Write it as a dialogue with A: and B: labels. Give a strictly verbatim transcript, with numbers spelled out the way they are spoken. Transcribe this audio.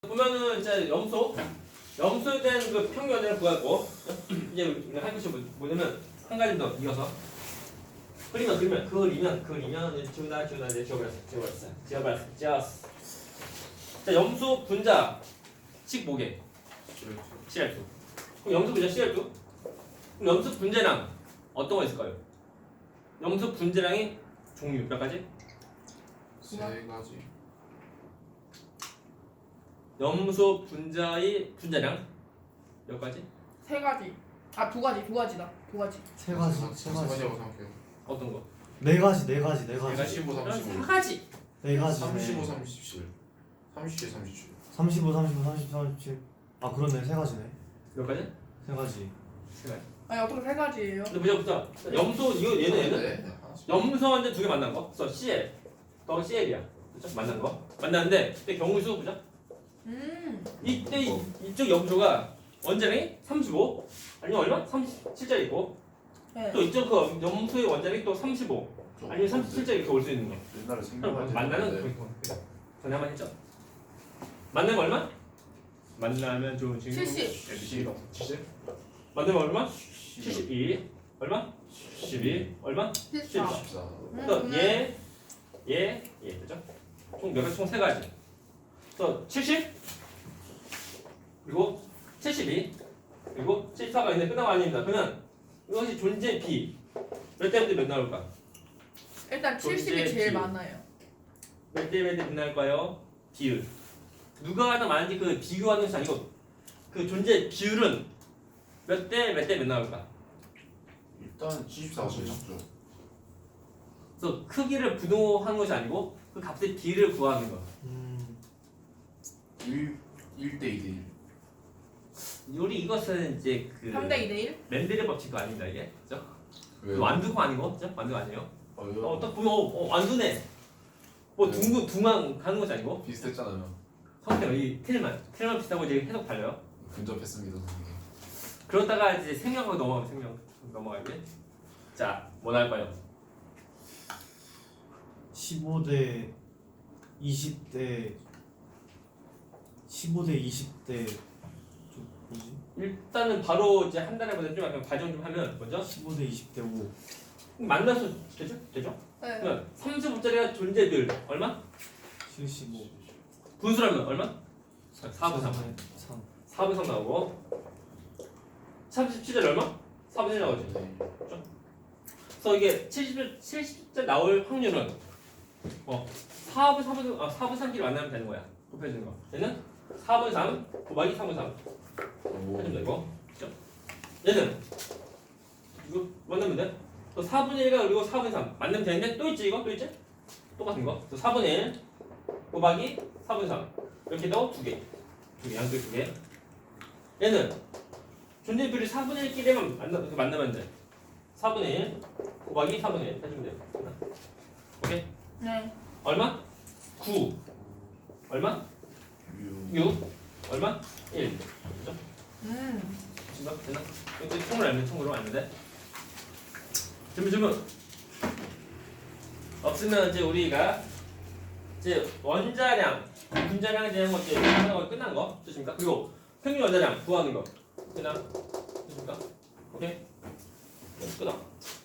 A: 보면은 이제 염소 염소에 대한 그 평균 원자를 구하고 이제 우리가 할 것이 뭐- 뭐냐면 한 가지 더 이어서 그리면 그리면 그리면 그리면 이제 지우다 지우다 이제 지워버렸어 지워버렸어 지워버렸어 지웠어. 자 염소 분자 식 뭐게? 씨알 투. 그럼 염소 분자 씨알 투? 그럼 염소 분자량 어떤 거 있을까요? 염소 분자량이 종류 몇 가지?
B: 세 가지.
A: 염소 분자의 분자량 몇 가지?
C: 세 가지. 아, 두 가지, 두 가지다. 두 가지.
D: 세 가지,
B: 세
D: 세
B: 가지라고
D: 가지,
B: 생각해요.
A: 어떤 거?
D: 네 가지, 네 가지, 네 가지,
B: 삼십오,
A: 사
B: 삼십오.
A: 가지.
D: 네 가지.
B: 삼십오, 삼십칠. 삼십칠, 삼십칠.
D: 삼십오, 삼십오, 삼십, 삼십칠. 아 그렇네, 세 가지네.
A: 몇 가지?
D: 세 가지.
A: 세 가지.
C: 아니, 어떻게 세 가지예요?
A: 근데 보자 보자. 염소 이거 얘는 얘는
B: 네, 하나씩.
A: 염소한테 두 개 만난 거. 그래서 씨엘 더 씨엘이야. 그렇죠? 만난 거. 만났는데 이때 경우수 보자.
C: 음.
A: 이때 이, 이쪽 염소가 원자량이 삼십오 아니면 얼마? 삼십칠짜리 있고
C: 네.
A: 또 이쪽 그 염소의 원자량이 또 삼십오 아니면 삼십칠짜리 이렇게 올 수 있는 거.
B: 옛날에
A: 그럼
B: 생각하지.
A: 만나는 거기 전에 한번 했죠. 만나면 얼마? 만나면 좋은 친구.
C: 칠십.
A: 칠십. 칠십. 만나면 얼마? 칠십이. 얼마? 십이. 얼마?
C: 십사.
B: 십사.
C: 음,
A: 또
C: 음.
A: 얘, 얘, 얘 그죠? 총 몇 가지? 총 세 가지. 또 칠십 그리고 칠십이 그리고 칠십사가 있는데 끝나가 아닙니다. 그러면 이것이 존재 B 몇 대부터 몇 나올까?
C: 일단 칠십이
A: 존재
C: 제일
A: 비율.
C: 많아요.
A: 몇 대 몇 대 몇 나올까요? 비율. 누가 하나 많은지 그 비교하는 것이 아니고 그 존재 비율은 몇 대 몇 대 몇 나올까?
B: 일단 칠십사가 제일 작죠.
A: 그래서 크기를 부동하는 것이 아니고 그 값의 비율을 구하는 거.
D: 음,
B: 일, 일 대 이 대 일.
A: 우리 이것은 이제 그
C: 삼 대 이 대 일?
A: 멘델의 법칙도 아닙니다 이게. 그죠?
B: 왜요?
A: 완두가 아니고, 그죠? 완두가 아니에요.
B: 아,
A: 어,
B: 왜요?
A: 딱 보면 어, 어, 완두네. 뭐
B: 네.
A: 둥근 둥한 가는 것이 아니고
B: 비슷했잖아요.
A: 성격 이 틀만 틀만 비슷하고 이제 해석 달라요.
B: 근접했습니다, 선생님.
A: 그러다가 이제 생명하고 넘어가면 생명 넘어가게. 자, 뭐 나올까요?
D: 십오 대 이십 대 십오 대 이십 대 좀 뭐지?
A: 일단은 바로 이제 한 달에 보다 좀 약간 과정 좀 하면 먼저
D: 십오 대 이십 대 오.
A: 만나서 되죠? 되죠?
C: 네.
A: 그러면 삼십오짜리가 존재들 얼마?
D: 칠십오.
A: 분수라면 얼마? 사분의 삼.
D: 삼.
A: 사분의 삼 나오고 삼십칠짜리 얼마? 사분의 일 나오지.
B: 네.
A: 그래서 이게 칠십, 칠십째 나올 확률은 어 사분의 삼분의 아 사분의 삼끼리 만나면 되는 거야. 곱해주는 거. 얘는 사분의 삼 곱하기 사분의 삼
B: 오.
A: 해주면 되고. 그죠? 얘는 이거 만나면 돼. 또 사분의 일과 그리고 사분의 삼 만나면 되는데 또 있지 이거 또 있지? 똑같은 거. 또 사분의 일 곱하기 사분의 삼 이렇게 더 두 개. 두 개, 양쪽 두 개. 얘는 존재 비율이 사분의 일끼리만 만나, 만나면 돼. 사분의 일 곱하기 사분의 일 해주면 돼요. 오케이?
C: 네.
A: 얼마? 구. 얼마?
B: 유.
A: 육. 얼마? 일. 그죠?
C: 음.
A: 됐나? 됐나? 이제 총을 알면 총으로 알면 돼. 준비 준비. 없으면 이제 우리가 이제 원자량, 분자량에 대한 것 이제 하는 거 끝난 거 좋습니까? 그리고 평균 원자량 구하는 거 끝나? 좋습니까? 오케이? 끊어.